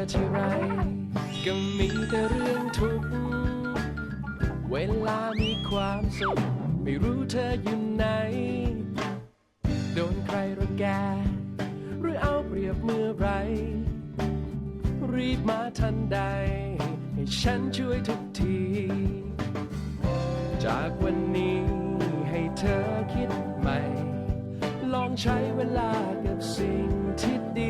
ทีไรก็มีแต่เรื่องทุกข์เวลามีความสุขไม่รู้เธออยู่ไหนโดนใครรังแกหรือเอาเปรียบเมื่อไรรีบมาทันใดให้ฉันช่วยทุกทีจากวันนี้ให้เธอคิดใหม่ลองใช้เวลากับสิ่งที่ดี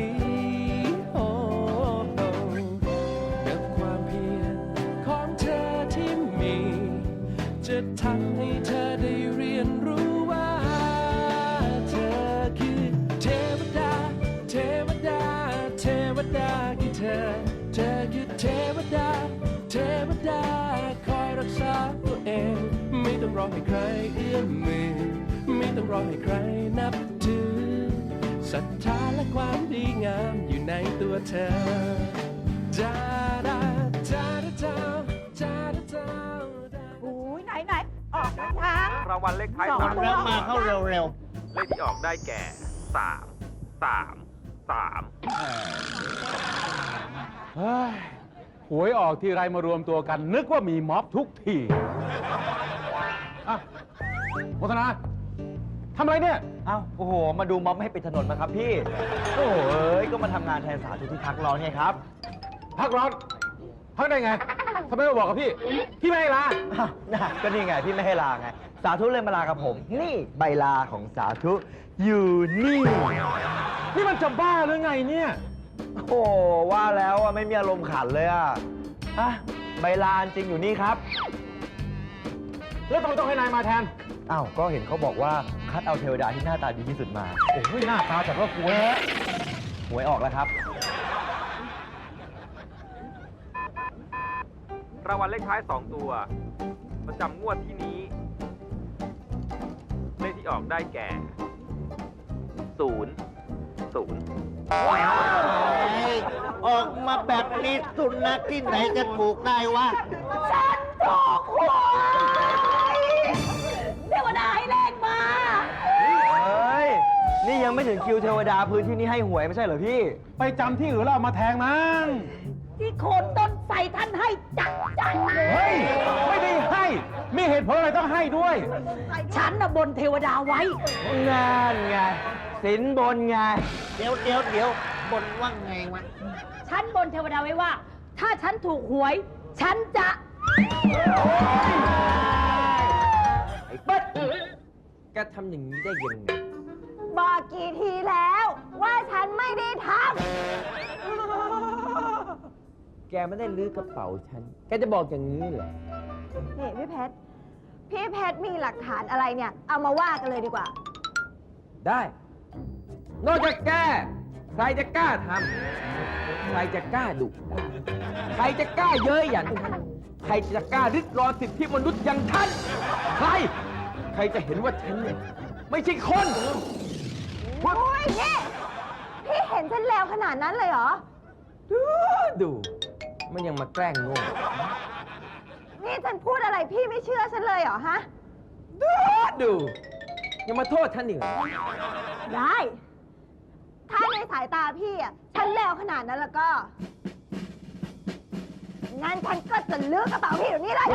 กับความเพียรของเธอที่มีจะทำให้เธอได้เรียนรู้ว่าเธอคือเทวดาเทวดาเทวดาคือเธอคือเทวดาเทวดาคอยรักษาตัวเองไม่ต้องรอให้ใครเอื้อมมือไม่ต้องรอให้ใครนับถือศรัทธาและความดีงามอยู่ในตัวเธอจาดาจาดาจาจาดาจาอุ้ยไหนออกทางรางวัลเลขท้ายสองสามตัวมาเข้าเร็วเลขที่ออกได้แก่3 เฮ้ยหวยออกทีไรมารวมตัวกัน นึกว่ามีม็อบทุกทีอ่ะโฆษณาทำอะไรเนี่ยๆเอ้าโอ้โห มาดูม็อบให้ปิดถนนมาครับพี่ โอ้โหเอ้ย ก็มาทำงานแทนสาธุที่พักร้อนไงครับพักร้อนพักได้ไงทำไมไม่บอกกับพี่ พี่ไม่ให้ลาอ้าวน่ะก็นี่ไงพี่ไม่ให้ลาไง สาธุเลยมาลากับผม นี่ใบลาของสาธุอยู่นี่นี่มันจะบ้าหรือไงเนี่ยโอ้ว่าแล้วอะไม่มีอารมณ์ขันเลยอะใบลาจริงอยู่นี่ครับแล้วทำไมต้องให้นายมาแทนอ้าว ก็เห็นเขาบอกว่าคัดเอาเทวดาที่หน้าตาดีที่สุดมาโอ้ยหน้าตาจัดว่ากลัวหวยออกแล้วครับรางวัลเลขท้าย2ตัวประจำงวดที่นี้เลขที่ออกได้แก่ออกมาแบบนี้สุนัขที่ไหนจะถูกได้วะฉันถูกหวยเทวดาให้เลขมาเฮ้ย นี่ยังไม่ถึงคิวเทวดาพื้นที่นี้ให้หวยไม่ใช่เหรอพี่ไปจำที่อื่นแล้วเอามาแทงมั้งที่โคนต้นใส่ท่านให้จัดเลยเฮ้ย ไม่ได้ให้ มีเหตุผลอะไรต้องให้ด้วยฉันน่ะบนเทวดาไว้งานไง สินบนไงเดี๋ยวบนว่าไงวะฉันบนเทวดาไว้ว่า ถ้าฉันถูกหวย ฉันจะไอ้เปิ๊ดแกทำอย่างนี้ได้ยังไงบอกกี่ทีแล้วว่าฉันไม่ได้ทแกไม่ได้ลื้อกระเป๋าฉัน แกจะบอกอย่างนี้เหรอนี่พี่เพชรมีหลักฐานอะไรเนี่ย เอามาว่ากันเลยดีกว่าได้ นอกจากแก ใครจะกล้าทำ ใครจะกล้าดุด่าใครจะกล้าเย้ยหยันท่านใครจะกล้าริดรอนสิทธิมนุษย์อย่างท่าน ใคร ใครจะเห็นว่าฉันเนี่ยไม่ใช่คนโอ้ยนี่พี่เห็นฉันแล้วขนาดนั้นเลยเหรอดูมันยังมาแกล้งโง่นี่ฉันพูดอะไรพี่ไม่เชื่อฉันเลยเหรอฮะดูยังมาโทษฉันอีกเหรอได้ ถ้าในสายตาพี่อ่ะ ฉันแล้วขนาดนั้นแล้วก็ งั้นฉันก็จะลื้อกระเป๋าพี่เดี๋ยวนี้เลย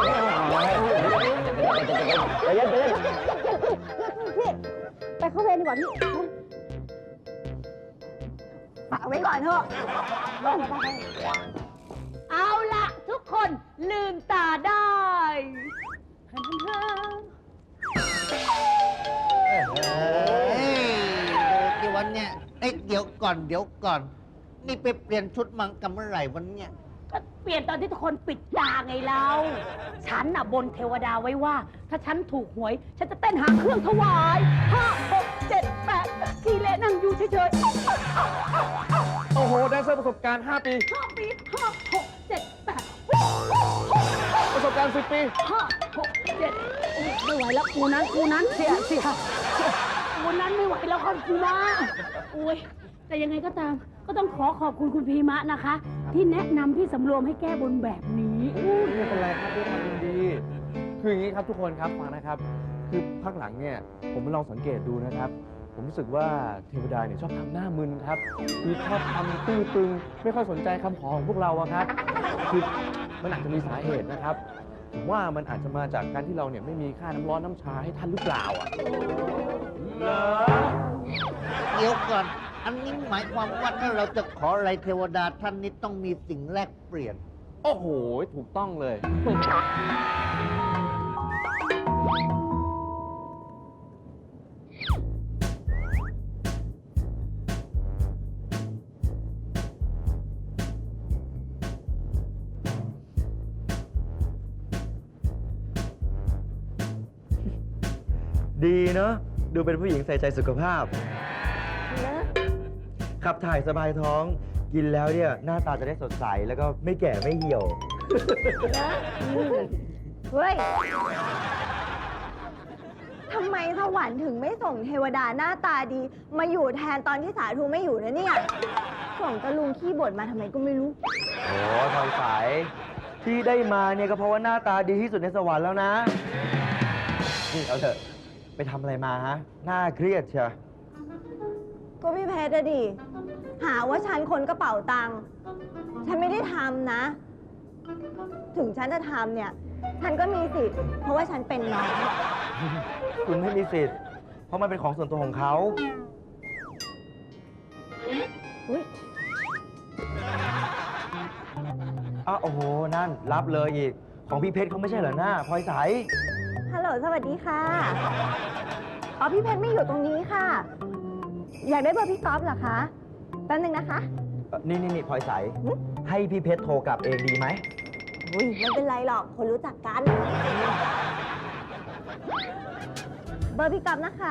พี่ไปเข้าเวรดีกว่าพี่ฝากไว้ก่อนเถอะเอาละทุกคนลืมตาได้ฮันฮันกี่วันเนี่ยเดี๋ยวก่อน นี่ไปเปลี่ยนชุดมังกันเมื่อไหร่วันเนี่ยก็เปลี่ยนตอนที่ทุกคนปิดตาไงเรา ฉันน่ะบนเทวดาไว้ว่า ถ้าฉันถูกหวย ฉันจะเต้นหางเครื่องถวาย5 6 7 8ทีเละนั่งอยู่เฉยๆโอ้โห ได้เซอร์ประสบการณ์ 5 ปี 5 ปี5 6 7 8 ประสบการณ์ 10 ปี 5 6 7ไม่ไหวแล้วกูนั้นเสียกูนั้นไม่ไหวแล้วครับกูมาโอ้ยแต่ยังไงก็ตาม ก็ต้องขอบคุณคุณพีมะนะคะ ที่แนะนำพี่สำรวมให้แก้บนแบบนี้ไม่เป็นไรครับด้วยความยินดี คืออย่างนี้ครับทุกคนครับฟังนะครับ คือพักหลังเนี่ยผมลองสังเกตดูนะครับผมรู้สึกว่าเทวดาเนี่ยชอบทำหน้ามึนครับ คือชอบทำตื้อตึง ไม่ค่อยสนใจคำขอของพวกเราอะครับ คือมันอาจจะมีสาเหตุนะครับ ผมว่ามันอาจจะมาจากการที่เราเนี่ยไม่มีค่าน้ำร้อนน้ำชาให้ท่านหรือเปล่าอ่ะเดี๋ยวก่อน อันนี้หมายความว่าถ้าเราจะขออะไรเทวดาท่านนี้ต้องมีสิ่งแลกเปลี่ยนโอ้โห ถูกต้องเลยดีเนาะดูเป็นผู้หญิงใส่ใจสุขภาพ ขับถ่ายสบายท้อง กินแล้วเนี่ย หน้าตาจะได้สดใส แล้วก็ไม่แก่ไม่เหี่ยวเฮ้ย ทำไมสวรรค์ถึงไม่ส่งเทวดาหน้าตาดี มาอยู่แทนตอนที่สาธุไม่อยู่นะเนี่ย ส่งตะลุงขี้บ่นมาทำไมก็ไม่รู้โอ้ทอยสายที่ได้มาเนี่ยก็เพราะว่าหน้าตาดีที่สุดในสวรรค์แล้วนะ นี่เอาเถอะ ไปทำอะไรมาฮะ หน้าเครียดเชียวก็พี่เพชรอะดิ หาว่าฉันคนกระเป๋าตังค์ ฉันไม่ได้ทำนะ ถึงฉันจะทำเนี่ย ฉันก็มีสิทธิ์ เพราะว่าฉันเป็นน้องคุณไม่มีสิทธิ์ เพราะมันเป็นของส่วนตัวของเขาอุ๊ยอ้าวโอ้โห นั่น รับเลยอีก ของพี่เพชรเขาไม่ใช่เหรอหน้าพลอยใสฮัลโหล สวัสดีค่ะ อ๋อ พี่เพชรไม่อยู่ตรงนี้ค่ะ อยากได้เบอร์พี่ก๊อฟเหรอคะ แป๊บนึงนะคะนี่พลอยใสหึให้พี่เพชรโทรกลับเองดีไหมอุ้ยไม่เป็นไรหรอก คนรู้จักกัน เบอร์พี่ก๊อฟนะคะ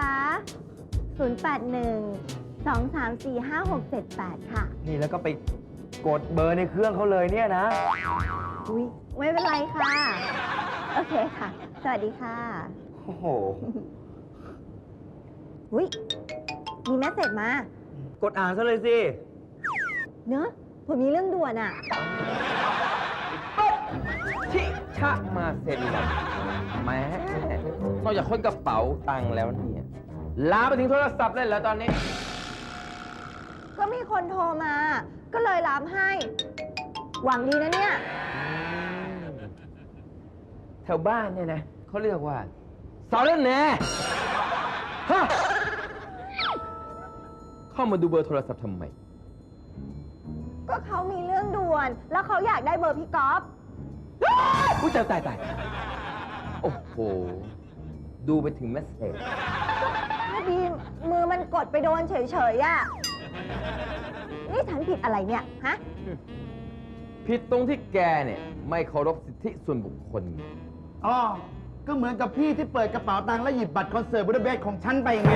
081-234-5678 ค่ะนี่แล้วก็ไปกดเบอร์ในเครื่องเขาเลยเนี่ยนะอุ้ยไม่เป็นไรค่ะ โอเคค่ะ สวัสดีค่ะโอ้โหอุ้ยมีแมสเสจมากดอ่านซะเลยสิเนอะผมมีเรื่องด่วนอ่ะชิชะมาเซ็นเลยแหม้นอกจากคนกระเป๋าตังค์แล้วเนี่ยลามไปถึงโทรศัพท์เลยแล้วตอนนี้ก็มีคนโทรมา ก็เลยรับให้ หวังดีนะเนี่ยแถวบ้านเนี่ยนะเขาเรียกว่าสารแหน่ฮะเข้ามาดูเบอร์โทรศัพท์ทำไมก็เขามีเรื่องด่วน แล้วเขาอยากได้เบอร์พี่ก๊อฟอุ้ยตาย โอ้โห ดูไปถึงเมสเซจพอดีมือมันกดไปโดนเฉยๆอ่ะ นี่ฉันผิดอะไรเนี่ย ฮะผิดตรงที่แกเนี่ย ไม่เคารพสิทธิส่วนบุคคลอ๋อ ก็เหมือนกับพี่ที่เปิดกระเป๋าตังค์แล้วหยิบบัตรคอนเสิร์ตบูดาเปสต์ของฉันไปไง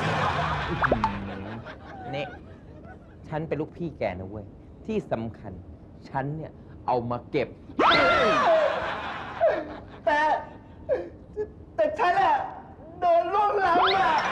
นี่ ฉันเป็นลูกพี่แกนะเว้ย ที่สำคัญ ฉันเนี่ย เอามาเก็บแต่ฉันอะโดนล่วงล้ำอะ